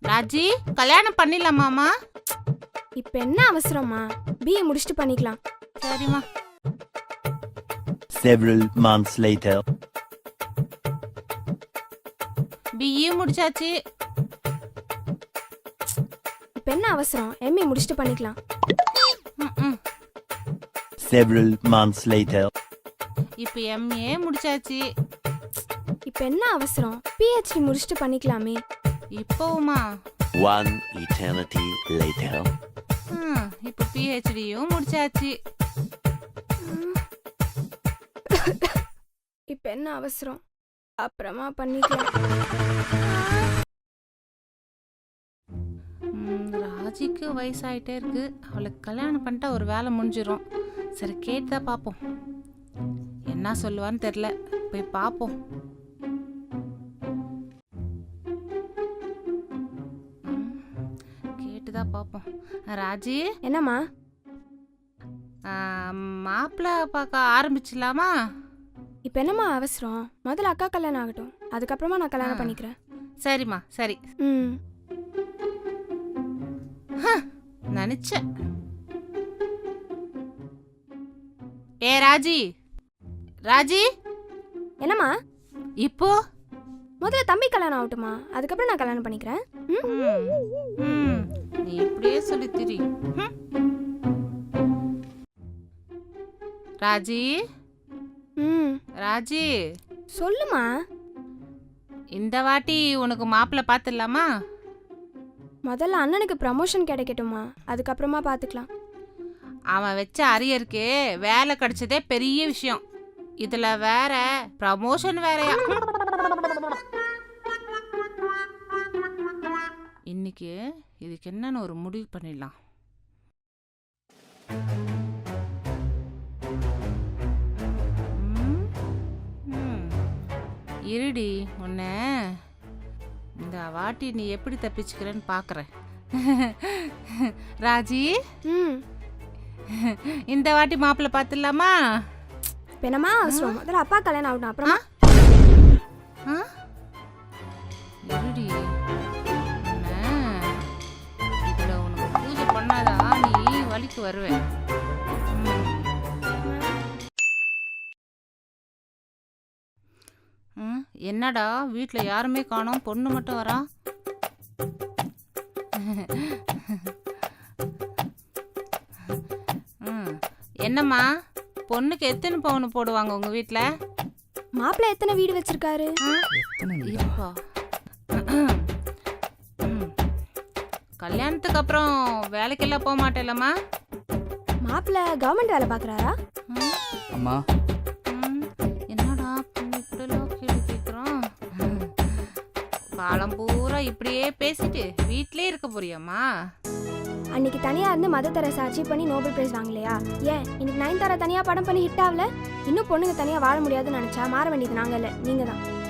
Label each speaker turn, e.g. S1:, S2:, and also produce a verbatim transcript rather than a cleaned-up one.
S1: ராஜி கல்யாணம் பண்ணிடலாமாமா?
S2: இப்ப என்ன அவசரமா? பிஏ முடிச்சுட்டு பண்ணிக்கலாம்.
S1: சரிம்மா.
S3: Several months later.
S1: பிஏ முடிச்சாச்சு.
S2: இப்ப என்ன அவசரம்? எம்ஏ முடிச்சுட்டு பண்ணிக்கலாம்.
S1: ம்ம்.
S3: Several months later.
S1: இப்போ எம்ஏ முடிச்சாச்சு.
S2: இப்ப என்ன அவசரம்? பிஹெச்டி முடிச்சுட்டு பண்ணிக்கலாமே.
S1: இப்போவுமா?
S3: One eternity later.
S1: ம், இப்போ பிஹெச்டியும் முடிச்சாச்சு.
S2: இப்ப என்ன அவசரம்? அப்புறமா பண்ணிக்கலாம்.
S1: ம், ராஜிக்கு வயசாயிட்டே இருக்கு. அவளுக்கு கல்யாணம் பண்ணிட்டா ஒரு வேலை முடிஞ்சிடும். சரி கேட்டுதா பார்ப்போம். என்ன சொல்லுவான்னு தெரில. போய் பார்ப்போம். ம், கேட்டுதான் பார்ப்போம். ராஜி,
S2: என்னம்மா?
S1: மாப்பிள்ளை பார்க்க ஆரம்பிச்சிடலாமா?
S2: இப்ப என்னம்மா அவசரம்? முதல்ல அக்கா கல்யாணம் ஆகட்டும், அதுக்கப்புறமா நான் கல்யாணம்
S1: ஆ.
S2: பண்ணிக்கிறேன்.
S1: சரிம்மா சரி.
S2: ம்.
S1: நினைச்சேன். ஏ ராஜி, ராஜி
S2: என்னம்மா?
S1: இப்போ
S2: முதல்ல தம்பி கல்யாணம் ஆகட்டுமா, அதுக்கப்புறம் நான் கல்யாணம் பண்ணிக்கிறேன். ம்?
S1: ம், ம், நீ இப்படியே சொல்லி திரி. ம். ராஜி,
S2: ம்.
S1: ராஜி,
S2: சொல்லுமா.
S1: இந்த வாட்டி உனக்கு மாப்பிள்ளை பார்த்துடலாமா?
S2: முதல்ல அண்ணனுக்கு ப்ரமோஷன் கிடைக்கட்டுமா, அதுக்கப்புறமா பார்த்துக்கலாம்.
S1: அவன் வச்ச அரியருக்கு வேலை கிடைச்சதே பெரிய விஷயம். இதுல வேற ப்ரமோஷன் வேறயா? இன்னைக்கு இதுக்கு என்னன்னு ஒரு முடிவு பண்ணிடலாம். ம், ம். இருடி, உன்ன இந்த வாட்டி நீ எப்படி தப்பிச்சுக்கிறேன்னு பார்க்குறேன். ராஜி,
S2: ம்.
S1: இந்த வாட்டி மாப்பிள்ளை பார்த்துடலாமா?
S2: இப்ப என்னம்மா அவசரம்? முதல்ல அப்பா கல்யாணம் ஆகட்டும், அப்புறமா.
S1: ஆ? இருடி, உன்னை இதுல உனக்கு பூஜை பண்ணாதான் நீ வழிக்கு வருவேன். ம். ம், என்னடா வீட்டில் யாருமே காணோம், பொண்ணு மட்டும் வரா? ம், என்னம்மா பொண்ணுக்கு எத்தனை பவுன் போடுவாங்க உங்க வீட்டில்?
S2: மாப்பிள்ளை எத்தனை வீடு வச்சிருக்காரு?
S1: இருப்பா. ம். கல்யாணத்துக்கு அப்புறம் வேலைக்கெல்லாம் போக மாட்டேலம்மா?
S2: மாப்பிள்ளை கவர்மெண்ட் வேலை பார்க்குறாரா?
S1: ம்,
S4: அம்மா
S1: ம். என்னடா இப்படிலாம் கேள்வி கேட்குறோம்? காலம் பூரா இப்படியே பேசிட்டு வீட்டிலே இருக்க போறியாம்மா?
S2: அன்னைக்கு தனியா இருந்து மதர் தெரசா அச்சீவ் பண்ணி நோபல் பிரைஸ் வாங்கலையா? ஏன் இன்னைக்கு நயன்தாரா தனியா படம் பண்ணி ஹிட் ஆகல? இன்னும் பொண்ணுங்க தனியா வாழ முடியாதுன்னு நினைச்சா மாற வேண்டியது நாங்க இல்ல, நீங்க தான்.